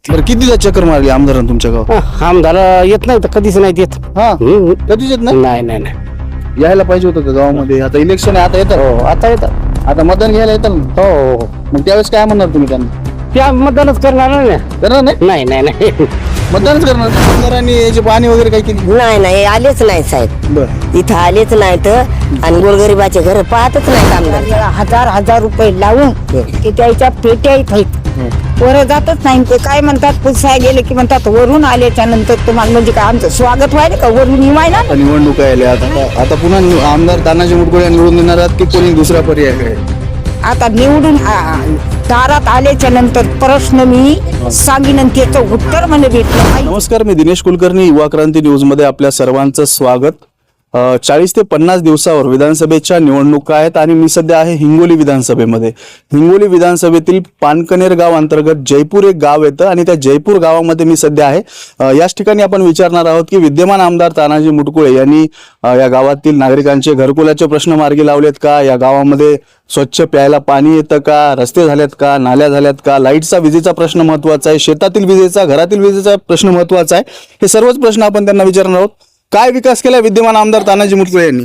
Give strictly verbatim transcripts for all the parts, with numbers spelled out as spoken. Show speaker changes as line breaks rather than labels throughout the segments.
बरं कितीदा चक्कर मारली आमदारांनी तुमच्या गावात?
आमदार येत नाही तर कधीच नाही येत.
हा
हम्म.
कधीच येत नाही.
नाही नाही नाही
यायला पाहिजे होतं का गावामध्ये? आता इलेक्शन आहे, आता येतात.
हो आता येतात.
आता मतदान घ्यायला येतात ना.
हो हो हो.
मग त्यावेळेस काय म्हणणार तुम्ही त्यांना?
त्या मतदानच करणार नाही.
करणार नाही.
नाही नाही नाही
मतदानच करणार. आमदारांनी याची पाहणी वगैरे काय केली?
नाही नाही आलेच नाही साहेब,
बरं
इथं आलेच नाही तर. आणि गोरगरिबाचे घर पाहतच नाही आमदार.
हजार हजार रुपये लावून की त्याच्या पेट्या आहेत, वर जातच नाही. ते काय म्हणतात, पुसाय गेले की म्हणतात वरून आल्याच्या नंतर तुम्हाला म्हणजे काय आमचं स्वागत व्हायला का वरून निवायला.
आता निवडणूक आल्या, आता आता पुन्हा निव- आमदार तानाजी मुटकुळे निवडून देणार आहात की कोणी दुसरा पर्याय आहे?
आता निवडून आ- दारात आल्याच्या नंतर प्रश्न मी सांगीन आणि त्याचं उत्तर मला भेटलं नाही.
नमस्कार, मी दिनेश कुलकर्णी, युवा क्रांती न्यूज मध्ये आपल्या सर्वांचं स्वागत. चाळीस ते पन्नास दिवसावर विधानसभेच्या निवडणुका आहेत आणि मी सध्या आहे हिंगोली विधानसभेमध्ये. हिंगोली विधानसभेतील पानकनेर गाव अंतर्गत जयपूर एक गाव येतं आणि त्या जयपूर गावामध्ये मी सध्या आहे. अ, याच ठिकाणी आपण विचारणार आहोत की विद्यमान आमदार तानाजी मुटकुळे यांनी अ, या गावातील नागरिकांचे घरकुलाचे प्रश्न मार्गी लावलेत का, या गावामध्ये स्वच्छ प्यायला पाणी येतं का, रस्ते झालेत का, नाल्या झाल्यात का, लाईटचा विजेचा प्रश्न महत्वाचा आहे, शेतातील विजेचा, घरातील विजेचा प्रश्न महत्वाचा आहे. हे सर्वच प्रश्न आपण त्यांना विचारणार आहोत. काय विकास केला विद्यमान आमदार तानाजी मुटकुळे यांनी?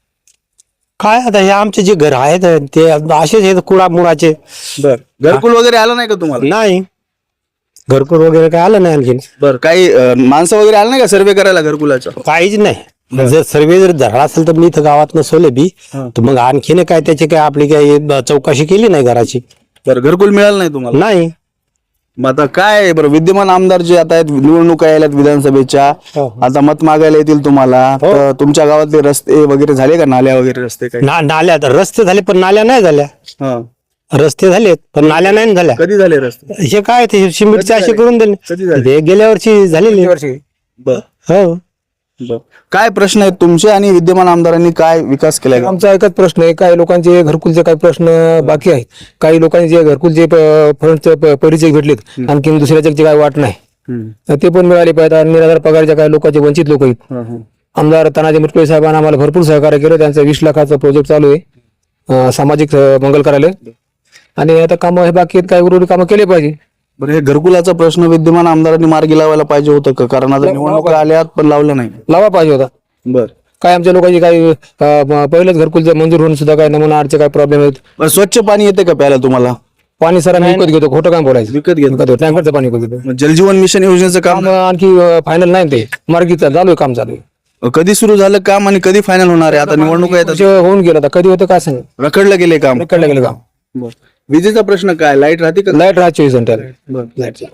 काय आता हे आमचे जे घर आहेत ते असेच आहेत कुडा मुळाचे.
बर घरकुल वगैरे आलं नाही का तुम्हाला?
नाही घरकुल वगैरे काय आलं नाही आणखीन.
बर काही अ, माणसं वगैरे आलं नाही का सर्वे करायला घरकुलाचा?
काहीच नाही. जर सर्वे जर झाला असेल तर मी इथं गावात नसवले बी तर मग आणखीन काय त्याची काय आपली काय चौकशी केली नाही घराची.
बरं घरकुल मिळालं नाही तुम्हाला?
नाही.
मग आता काय बरं विद्यमान आमदार जे आता आहेत, निवडणुका यायल्यात विधानसभेच्या,
हो.
आता मत मागायला येतील तुम्हाला,
हो.
तर तुमच्या गावातले रस्ते वगैरे झाले का, नाल्या वगैरे रस्ते काय?
ना नाल्या रस्ते झाले पण नाल्या नाही झाल्या.
हा.
रस्ते झालेत पण नाल्या नाही झाल्या.
कधी झाले रस्ते?
हे काय ते सिमेंटचे असे करून
कधी
दिले
झाले?
ते गेल्या वर्षी झालेली.
बर
हो.
बर. काय प्रश्न आहेत तुमचे आणि विद्यमान आमदारांनी काय विकास केलाय?
आमचा एकच प्रश्न आहे, काही लोकांचे घरकुलचे काही प्रश्न बाकी आहेत, काही लोकांचे घरकुलचे फंडचे परिचय भेटलेत, आणखी दुसऱ्याचे काही वाट नाही,
हम्म.
ते पण मिळाले पाहिजे. आणि निराधार पगारच्या काही लोकांचे वंचित लोक आहेत.
हा, हा.
आमदार तानाजी मुटकुळे साहेबांना आम्हाला भरपूर सहकार्य केलं. त्यांचं वीस लाखाचा प्रोजेक्ट चालू आहे, अं, सामाजिक अं, मंगल कार्यालय. आणि आता कामं हे बाकी आहेत, काही उर्वरित कामं केले पाहिजे.
बरं हे घरकुलाचा प्रश्न विद्यमान आमदारांनी मार्गी लावायला पाहिजे होतं का? कारण आता निवडणुका आल्यात पण लावलं नाही.
लावा पाहिजे होता.
बर
काय आमच्या लोकांची काही अं, पहिलेच घरकुलचं मंजूर होऊन सुद्धा काही नमुना आडचे काही प्रॉब्लेम आहेत.
बरं, स्वच्छ पाणी येते का प्यायला तुम्हाला?
पाणी सर आम्ही विकत घेतो, खोटं काम बोलायचं.
विकत घेतो.
टँकरचं पाणी विकत घेतो.
मग जलजीवन मिशन योजनेचं काम
काम आणखी फायनल नाही, ते मार्गी चालू आहे, काम चालू आहे.
कधी सुरू झालं काम आणि कधी फायनल होणार आहे? आता निवडणुका येतात,
वर्ष होऊन गेलं, आता कधी होतं काय सांग,
रखडलं गेले काम.
कडलं गेलं काम.
विजेचा प्रश्न काय, लाईट राहते का?
लाईट राहत चोवीस घंटे लाईट.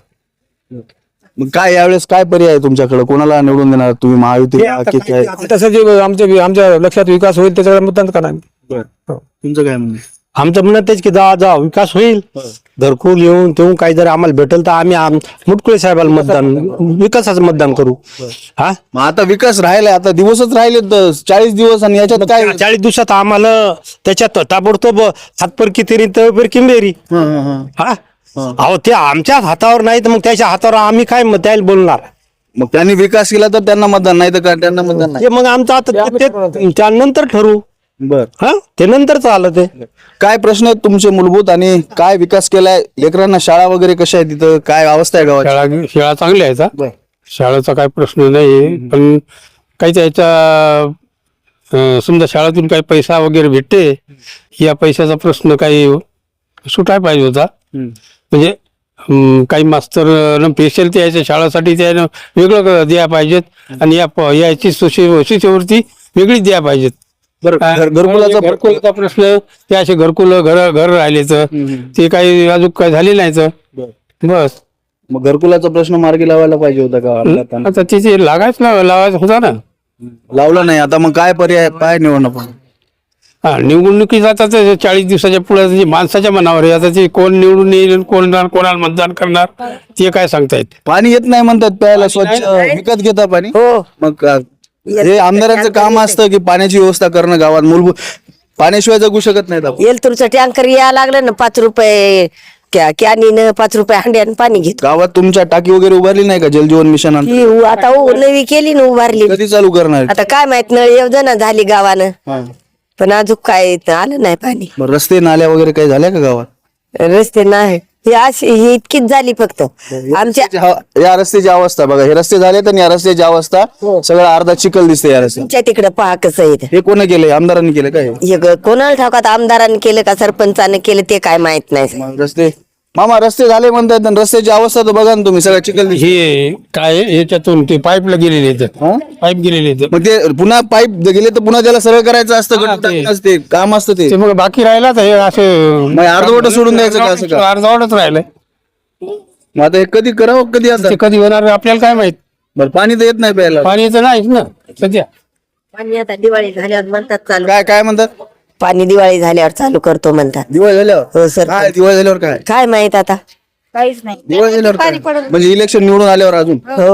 मग काय यावेळेस काय पर्याय आहे तुमच्याकडे? कोणाला निवडून देणार तुम्ही, महायुती की काय?
तसं जे आमच्या आमच्या लक्षात विकास होईल त्याच्याकडे मतदान करणार.
तुमचं काय म्हणणं?
आमचं म्हणणं तेच की जा जा विकास होईल, घरकुल येऊन तेव्हा काही जर आम्हाला भेटेल तर आम्ही आम- मुटकुळे साहेबाला मतदान, विकासाचं मतदान करू. हा
मग आता विकास राहिलाय, आता दिवसच राहिले चाळीस दिवस आणि याच्यात काय?
चाळीस दिवसात आम्हाला त्याच्यात ताबडतोब हातपरकी तेरी तळपर किंबेरी.
हं, हं, हं.
हा अहो ते आमच्याच हातावर नाही तर मग त्याच्या हातावर आम्ही काय मग त्याला बोलणार.
मग त्यांनी विकास केला तर त्यांना मतदान, नाही तर का त्यांना मतदान नाही?
ते मग आमचं आता ते- ते- त्यानंतर ठरवू.
बर
हा ते नंतरच आलं ते.
काय प्रश्न आहेत तुमचे मूलभूत आणि काय विकास केलाय? लेकरांना शाळा वगैरे कशा आहे तिथं, काय अवस्था आहे गावाची?
शाळा शाळा चांगली आहे
बर.
शाळेचा काही प्रश्न नाही, पण काही त्याचा अं, समजा शाळेतून काही पैसा वगैरे भेटते, या पैशाचा प्रश्न काही सुटाय पाहिजे होता. म्हणजे अं, काही मास्तर स्पेशल त्याच्या शाळेसाठी त्यानं वेगळं द्यायला पाहिजेत आणि या प- याची शिष्य- शिष्यवृत्ती वेगळीच द्यायला पाहिजेत.
बरं, घर- घरकुलाचा प्र-
घरकुलाचा प्रश्न ते असे घरकुल घर घर राहिलेच ते काही अजून काही झाले नाहीच. बस
मग घरकुलाचा प्रश्न मार्गी लावायला पाहिजे होता का?
आता तिथे लागायच ना लावायचं होता ना.
लावला नाही. आता मग काय पर्याय, काय निवडणं पण?
हा निवडणुकीत आता ते चाळीस दिवसाच्या पुढे माणसाच्या मनावर आहे. आता ते कोण निवडून येईल, कोण कोणाला मतदान करणार ते काय सांगता येत.
पाणी येत नाही म्हणतात प्यायला, स्वच्छ विकत घेता पाणी.
हो
मग का- हे आमदारांचं काम असतं की पाण्याची व्यवस्था करणं गावात, मूलभूत पाण्याशिवाय जगू शकत नाहीत आपण.
एलतूरचं टँकर यायला लागलं ना, पाच रुपये क्या- कॅनीनं पाच रुपये हंड्यानं पाणी घेतो.
गावात तुमच्या टाकी वगैरे उभारली नाही का जलजीवन मिशन?
ही उ- आता उ- नवी केली ना, उभारली.
कधी चालू करणार?
आता काय माहित नळ योजना झाली गावानं,
हा.
पण अजून काय आलं नाही पाणी.
मग रस्ते नाल्या वगैरे काही झाल्या का गावात?
रस्ते नाही. ही अशी ही इतकीच झाली फक्त आमच्या
रस्त्याची हवा- या रस्त्याची अवस्था बघा, हे रस्ते झाले तर या रस्त्याची अवस्था सगळं अर्धा चिखल दिसते या रस्त्यात.
तुमच्या तिकडे पहा कसं आहे ते.
हे कोण केलंय? आमदारांनी केलं काय?
हे ग- कोणाला ठाऊकात आमदारांनी केलं का सरपंचाने केलं ते काय माहित नाही.
मग रस्ते मामा रस्ते झाले म्हणतात आणि रस्त्याची अवस्था तर बघा ना तुम्ही, सगळं चिखल दिसते.
हे काय आहे, याच्यातून ते पाईपला गेलेले आहेत
हा?
पाईप गेलेले आहेत
मग ते पुन्हा पाईप गेले तर पुन्हा त्याला सरळ करायचं असतं,
हा,
गटर
ते-
टाकणं असते, काम असतं ते.
ते मग बाकी राहिला तर हे असे
मग अर्धवट सोडून द्यायचं का असं का?
अर्धवटच राहिलंय.
मग आता हे कधी करावं कधी आता?
ते कधी होणार आपल्याला काय माहित.
बरं पाणी तर येत नाही प्यायला.
पाणी तर नाहीच ना सध्या.
पाणी आता दिवाळी झाल्यावर म्हणतात चालू,
काय काय म्हणतात?
पाणी दिवाळी झाल्यावर चालू करतो म्हणतात.
दिवाळी झाल्यावर
हो सर.
काय दिवाळी झाल्यावर काय?
काय माहित आता.
काहीच नाही
दिवाळी झाल्यावर काय? म्हणजे इलेक्शन निवडून आल्यावर अजून
हो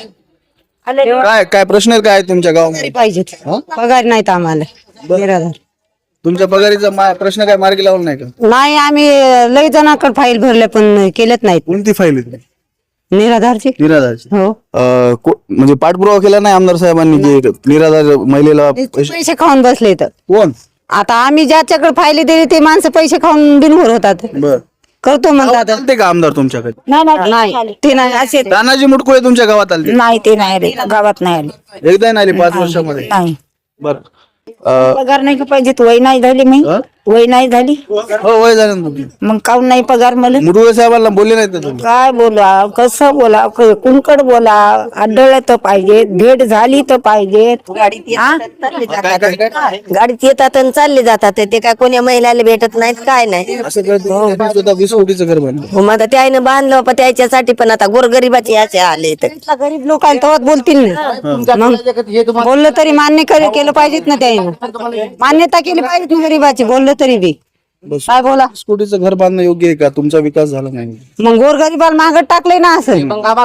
काय काय प्रश्न काय आहेत तुमच्या गावामध्ये?
पाहिजेत पगार नाहीत आम्हाला निराधार
तुमच्या पगारीचा मा- प्रश्न काय मार्गी लावला नाही का?
नाही आम्ही लई जणांकडे फाईल भरले पण केलेत नाहीत
कोणती फाईल आहे?
निराधारची
निराधारची.
हो
अं, को- म्हणजे पाठपुरावा केला नाही आमदार साहेबांनी की निराधार महिलेला पैसे-
पैसे खाऊन बसले तर
कोण?
आता आम्ही ज्याच्याकडे फायले दिले ते माणसं पैसे खाऊन बिनभर होतात
बर
करतो म्हणतात
आलते का आमदार तुमच्याकडे?
नाही नाही
ते नाही असे
तानाजी मुटकुळे तुमच्या गावात आले?
नाही ते नाही रे गावात नाही आले
एकदा नाही आले पाच वर्षामध्ये?
नाही
बर अं,
पगार नाही का पाहिजे वय नाही झाली मी
हा?
वय नाही झाली
हो वय झालं ना तुमचं.
मग काऊन नाही पगार मला
मुटकुळे साहेबांना बोलले नाहीत का तुम्ही?
काय बोला कसं बोला क- कुणकड बोला आढळलं तर पाहिजे भेट झाली तर पाहिजे हा?
काय काय काय
गाडीत येतात आणि चालले जातात ते काय कोण्या महिलाला भेटत नाहीत काय नाही.
असं कळतं त्यांनी स्वतः वीस कोटीचं घर बांधलं.
हो, मग आता त्याईनं बांधलं बाबा त्याच्यासाठी, पण आता गोरगरिबाचे याचे आले तर
गरीब लोकांना तेव्हाच बोलतील ना मग बोललं तरी मान्य कर- केलं पाहिजेत ना त्याने मान्यता केली पाहिजे ना गरीबाची बोललं तरी बी काय बोला
वीस कोटीचं घर बांधणं योग्य आहे का? तुमचा विकास झाला नाही.
मग गोरगरीबाला मागत टाकलंय ना असं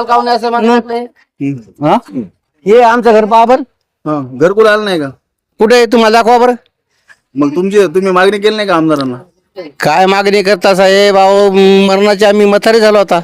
हम्म. हा?
हे आमचं घर बाबर
हा, घरकुल आलं नाही का?
कुठे आहे तुम्हाला दाखवा बरं.
मग तुमची तुम्ही मागणी केली नाही का आमदारांना?
काय मागणी करता साहेब अहो मरणाचे आम्ही मथारी झालो आता.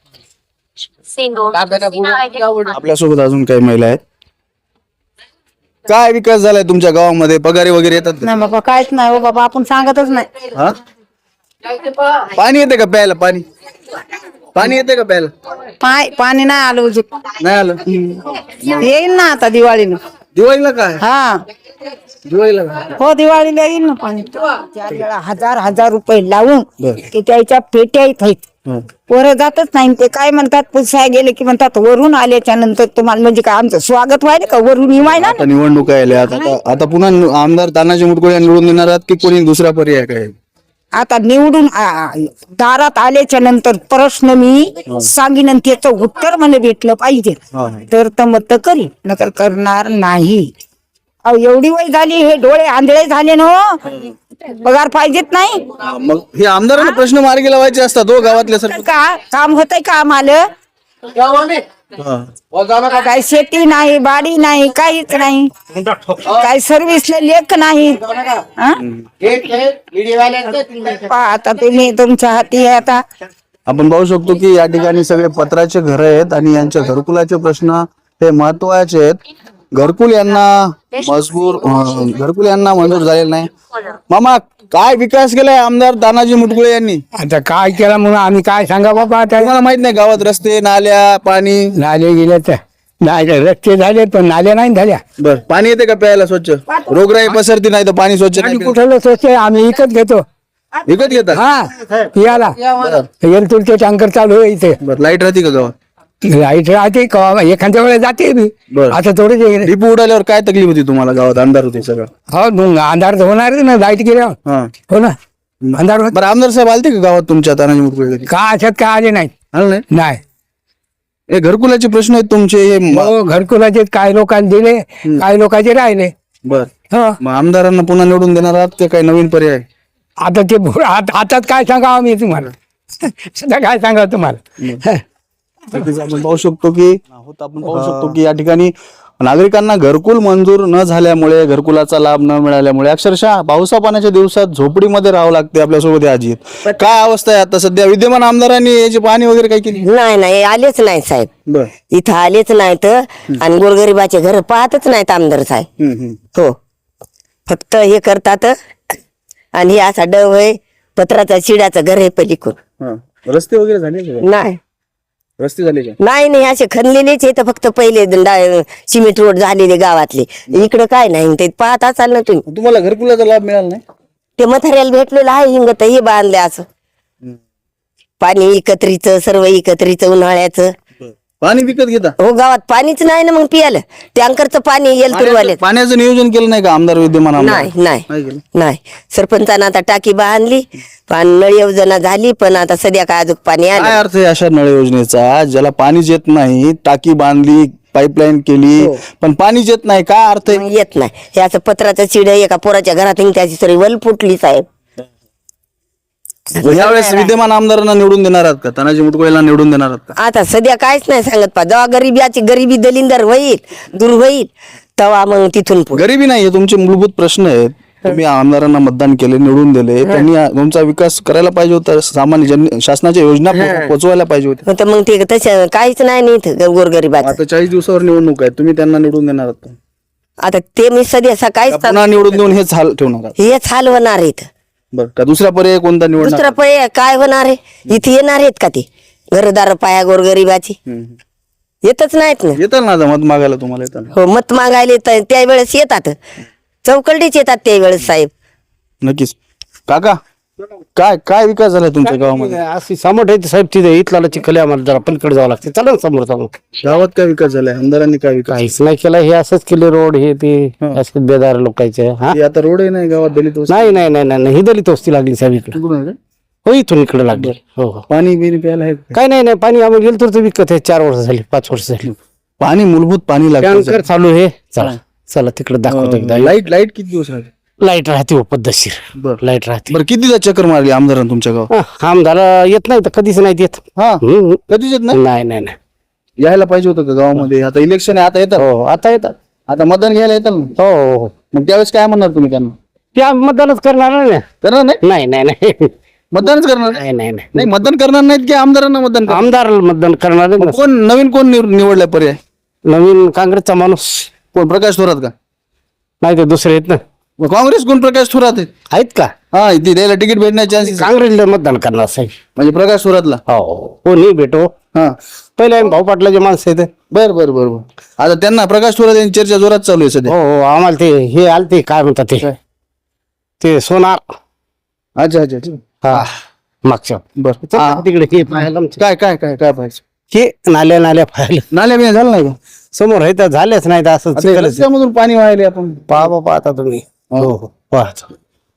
आपल्यासोबत अजून काही महिला आहेत. काय विकास झालाय तुमच्या गावामध्ये? पगारी वगैरे येतात का?
नाही बाबा काहीच नाही हो बाबा आपण सांगतच नाही
हा? पाणी येते का प्यायला? पाणी पाणी येते का प्यायला?
पाय पाणी नाही आलं उजू
नाही आलं.
येईल ना आता दिवाळीला
दिवाळीला काय?
हा
दिवाळीला काय?
हो दिवाळीला येईल ना पाणी चार वेळा हजार हजार रुपये लावून
बरं.
ते त्याच्या पेट्या आहेत
हा.
पोरं जातच नाही ते काय म्हणतात पुसाय गेले की म्हणतात वरून आल्याच्या नंतर तुम्हाला म्हणजे काय आमचं स्वागत व्हायला का वरून येवायला
आता निवडणुका आल्या आता आता- आता पुन्हा नि- आमदार तानाजी मुटकुळे निवडून देणार आहात की कोणी दुसरा पर्याय काय?
आता निवडून आ- दारात आल्याच्या नंतर प्रश्न मी सांगीन आणि त्याचं उत्तर मला भेटलं पाहिजे
हा.
तर तर मत करी नकर करणार नाही. अहो एवढी वय झाली हे डोळे आंधळे झाले ना हो. पगार पाहिजेत नाही
हा, मग हे आमदारांना प्रश्न मार्गी लावायचे असतात हो गावातल्या सर.
का काम होतंय का आम्हाला काय शेती नाही बाडी नाही काहीच नाही काय सर्व्हिसला लेख नाही हा? पहा आता तुम्ही तुमच्या हाती आहे आता
आपण पाहू शकतो की या ठिकाणी सगळे पत्राचे घर आहेत आणि यांच्या घरकुलाचे प्रश्न हे महत्वाचे आहेत. घरकुल यांना मजबूर अं, घरकुल यांना मंजूर झालेलं नाही. मामा काय विकास केलाय आमदार तानाजी मुटकुळे यांनी?
आता काय केला म्हणून आम्ही काय सांगा बाबा आता
तुम्हाला माहित नाही गावात रस्ते नाल्या पाणी?
नाले गेले तर नाही रस्ते झाले पण नाल्या नाही झाल्या.
बर पाणी येते का प्यायला स्वच्छ? रोगराई पसरती नाही तर पाणी स्वच्छ नाही
आणि
पिलं.
कुठलं स्वच्छ आम्ही विकत घेतो
विकत घेतात?
हा पियाला एलतुरचे टँकर चालू आहे इथे.
बर लाईट राहते का गावात?
लाईट राहते का एखाद्या वेळेला जाते बी
बरं.
आता थोडे
डिपो उडाल्यावर काय तकलीफ होती तुम्हाला? गावात अंधार होते सगळं.
हो मग अंधार तर होणार ना लाईट गेल्यावर
हा
हो ना अंधार होत
बरं आमदार साहेब आलते का गावात तुमच्या तानाजी मुटकुळे कधी?
का अशात काय आले नाहीत
आलं नाही?
नाही
हे घरकुलाचे प्रश्न आहेत तुमचे हे म-
हो घरकुलाचे काय लोकांनी दिले काय लोकांचे राहिले
बर
हो
मग आमदारांना पुन्हा निवडून देणार आहात ते काही नवीन पर्याय?
आता ते भो- आत- आतात काय सांगावं मी तुम्हाला सध्या काय सांगावं तुम्हाला
नक्कीच आपण पाहू शकतो की आहोत आपण पाहू शकतो की या ठिकाणी नागरिकांना घरकुल मंजूर न झाल्यामुळे घरकुलाचा लाभ न मिळाल्यामुळे अक्षरशः पावसा पाण्याच्या दिवसात झोपडीमध्ये राहावं लागते. आपल्यासोबत आजी आहेत. काय अवस्था आहे आता सध्या? विद्यमान आमदारांनी याची पाहणी वगैरे काही केली?
नाही नाही आलेच नाही साहेब,
बर
इथं आलेच नाहीत आणि गोरगरिबाचे घर पाहतच नाहीत आमदार साहेब. हो फक्त हे करतात आणि हे असा डव आहे पत्राचा शिड्याचं घर आहे पलीकडून.
रस्ते वगैरे झाले का?
नाही
रस्ते झाले का?
नाही नाही असे खणलेलेच येतं फक्त पहिले डा- सिमेंट रोड झालेले गावातले. इकडं काय नाही ते पाहत असाल ना तुम्ही.
तुम्हाला घरकुलाचा लाभ मिळाला नाही?
ते मथाऱ्याला भेटलेलं आहे हिंगत हे बांधले असं पाणी एकत्रीचं सर्व एकत्रीचं उन्हाळ्याचं.
पाणी विकत घेता?
हो गावात पाणीच नाही ना मग पियाला. टँकरचं पाणी येईल तुरवाले.
पाण्याचं नियोजन केलं नाही का आमदार विद्यमान आमदार?
नाही नाही
नाही केलं?
नाही सरपंचानं आता टाकी बांधली पण नळ योजना झाली पण आता सध्या काय अजून पाणी
काय
आलं.
अर्थ आहे अशा नळ योजनेचा ज्याला पाणीच येत नाही, टाकी बांधली, पाईपलाईन केली, पण पाणीच येत नाही, काय अर्थ आहे?
मग येत नाही. हे असं पत्राचं चिड एका पोराच्या घरात हिंग त्याची सरी वल फुटली साहेब.
यावेळेस विद्यमान आमदारांना निवडून देणार आहात का? तानाजी मुटकुळेला निवडून देणार आहात का?
आता सध्या काहीच नाही सांगत पा. जेव्हा गरिबीची गरिबी दलिंदर होईल दूर होईल तेव्हा मग तिथून पुढे.
गरिबी नाही, हे तुमचे मूलभूत प्रश्न आहेत. तुम्ही आमदारांना मतदान केले, निवडून दिले, त्यांनी तुमचा विकास करायला पाहिजे होता. सामान्य जन शासनाच्या योजना पो- पोहोचवायला पाहिजे होत्या.
तर मग ते तसं काहीच नाही ना इथं गोरगरिबाचं.
आता चाळीस दिवसावर निवडणूक आहे, तुम्ही त्यांना निवडून देणार आहात का?
आता ते मी सध्या सकाळीच
का पुन्हा निवडून देऊन हेच हाल ठेवणार आहात?
हेच हाल होणार आहे इथं.
बरं, का दुसरा पर्याय कोणता निवडणार?
दुसरा पर्याय काय होणार आहे? इथे येणार आहेत का ते घरदार पाया गोरगरिबाची? येतच नाहीत ना.
येतात ना आता मत मागायला, तुम्हाला येतात ना?
हो मत मागायला तर त्यावेळेस येतात, चौकलडीच येतात त्यावेळेस साहेब.
नक्कीच. काका काय काय विकास झाला तुमच्या गावामध्ये?
अशी समोर आहे साहेब तिथे इथला चिखल आहे, आम्हाला जरा पलीकडे जावं लागते. चला ना समोर समोर.
गावात काय विकास झालाय? आमदारांनी काय विकास?
काहीच नाही केलं. हे असंच केले रोड हे ते असे बेदार लोकांचे. हा
हे आता रोड आहे नाही गावात, दलित वस्ती.
नाही नाही नाही नाही ही दलित वस्ती लागली साहेब इकडे.
तिकडून आहे का?
हो इथून इकडे लागली. हो हो
पाणी बिनी प्यायला आहे का?
काय नाही नाही पाणी आम्हाला गेलं तर विकत आहे. चार वर्ष झाली पाच वर्ष झाली.
पाणी मूलभूत पाणी लागतं.
टँकर चालू आहे. चला चला तिकडे दाखवतो एकदा.
लाईट लाईट किती दिवस राहते?
लाईट राहते हो पद्धतशीर.
बरं.
लाईट राहते.
बरं, कितीदा चक्कर मारली आमदारांनी तुमच्या गावात?
हा, आमदार येत नाही तर कधीच नाही येत.
हा,
हम्म.
कधीच येत नाही.
नाही नाही नाही.
यायला पाहिजे होतं का गावामध्ये? आता इलेक्शन आहे, आता येतात.
हो आता येतात.
आता मतदान घ्यायला येतात ना.
हो हो हो
मग त्यावेळेस काय म्हणणार तुम्ही त्यांना?
ते आम्ही मतदानच करणार नाही.
करणार नाही?
नाही नाही नाही
मतदानच करणार नाही?
नाही नाही नाही
नाही, मतदान करणार नाहीत की आमदारांना मतदान करणार?
आमदार मतदान करणार नाही.
कोण नवीन कोण निव- निवडलाय पर्याय?
नवीन काँग्रेसचा माणूस
कोण? प्रकाश थोरात का?
नाही ते दुसरे आहेत ना.
मग काँग्रेस कोण? प्रकाश थोरात आहेत.
आहेत का?
हा, इथे द्यायला तिकीट भेटण्याचे चान्सेस
काँग्रेसला मतदान करणार साहेब.
म्हणजे प्रकाश थोरातला.
हो कोणी भेटो.
हा,
पहिले आम्ही भाऊ पाटलाचे माणसं आहेत.
बर बर बर बर. आता त्यांना प्रकाश थोरात यांची चर्चा जोरात चालू आहे सध्या.
हो हो आम्हाला ते हे आलते काय म्हणतात ते ते सोनार.
अच्छा अच्छा अच्छा.
हा मागच्या
बर.
चला तिकडे हे पाहायला आमचे.
काय काय काय काय पाहिजे?
हे नाल्या नाल्या पाहायला
नाल्या बिण्या झालं नाही का?
समोर आहे तर झालेच नाही तर असं
आता
चिखलच आहे.
रस्त्यामधून पाणी वाहिले आपण.
पहा बाबा आता तुम्ही. हो हो पाहा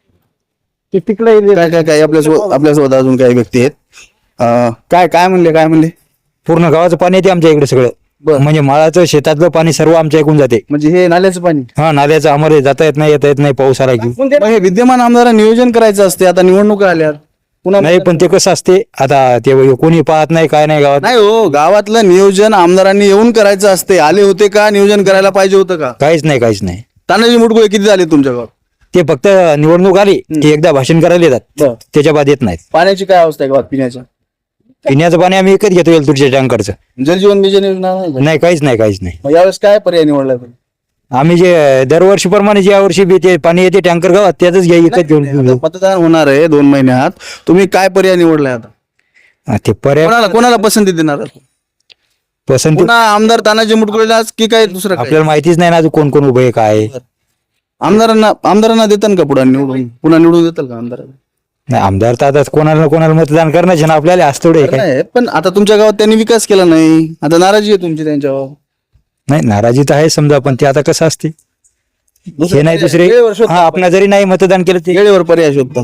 ते तिकडे
काय काय काय आपल्यासोबत आपल्यासोबत अजून काही व्यक्ती आहेत. अं, काय काय म्हणले काय म्हणले?
पूर्ण गावाचं पाणी येते आमच्या इकडे सगळं.
बरं.
म्हणजे माळाचं शेतातलं पाणी सर्व आमच्या ऐकून जाते.
म्हणजे हे नाल्याचं पाणी.
हा नाल्याचं आम्हाला जाता येत नाही येता येत नाही पाऊस आला की.
मग हे विद्यमान आमदारांना नियोजन करायचं असते. आता निवडणुका आल्यात पुन्हा.
नाही पण ते कसं असते आता ते कोणी पाहत नाही काय नाही गावात.
नाही हो, गावातलं नियोजन आमदारांनी येऊन करायचं असते. आले होते का? नियोजन करायला पाहिजे होतं का?
काहीच नाही काहीच नाही.
तानाजी मुटकुळे किती झाले तुमच्या गावात?
ते फक्त निवडणूक आली ते एकदा भाषण करायला
बरं.
येतात त्याच्या बाद येत नाहीत.
पाण्याची काय अवस्था आहे गावात पिण्याच्या?
पिण्याचं पाणी आम्ही विकत घेतो एलतुरच्या टँकरचं.
जलजीवन मिशन योजना नाही का?
नाही काहीच नाही काहीच नाही.
मग यावेळेस काय पर्याय निवडलाय पण?
आम्ही जे दरवर्षी प्रमाणे ज्या वर्षी बी ते पाणी येते टँकर गावात त्याच घ्या विकत घेऊन
आता मतदान होणार आहे दोन महिन्यात. तुम्ही काय पर्याय निवडलाय आता?
हा, ते पर्याय
कोणाला कोणाला पसंती देणार?
पसंती
पुन्हा आमदार तानाजी मुटकुळेलाच की काय दुसरं काय?
आपल्याला माहितीच नाही ना अजून कोण कोण उभे आहे, काय आहे.
आमदारांना आमदारांना देतात का पुढे निवडून? पुन्हा निवडून देतात का आमदारांना?
नाही आमदार तर आता कोणाला ना कोणाला मतदान करण्याचे ना आपल्याला असं थोडं आहे काय.
नाही, पण आता तुमच्या गावात त्यांनी विकास केला नाही. आता नाराजी आहे तुमची त्यांच्यावर.
नाही नाराजी तर आहे समजा पण ते आता कसं असते हे नाही दुसरे.
वेळेवर शोधतात.
हा आपण जरी नाही मतदान केलं ते
वेळेवर पर्याय शोधतात.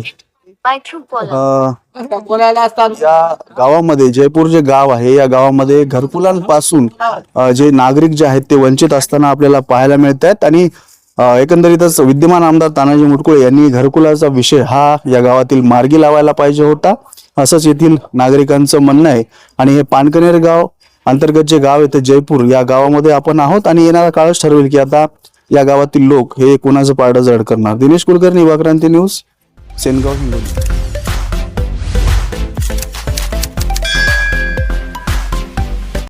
अं, या गावामध्ये जयपूर जे गाव आहे या गावामध्ये घरकुलांपासून अं, जे नागरिक जे आहेत ते वंचित असताना आपल्याला पाहायला मिळत आहेत. आणि अं, एकंदरीतच विद्यमान आमदार तानाजी मुटकुळे यांनी घरकुलाचा विषय हा या गावातील मार्गी लावायला पाहिजे होता, असंच येथील नागरिकांचं म्हणणं आहे. आणि हे पानकनेर गाव अंतर्गत जे गाव आहे ते जयपूर या गावामध्ये आपण आहोत आणि येणारा काळच ठरवेल की आता या गावातील लोक हे कोणाचं पारडं जड करणार. दिनेश कुलकर्णी, युवा क्रांती न्यूज, सेनगाव, हिंगोली.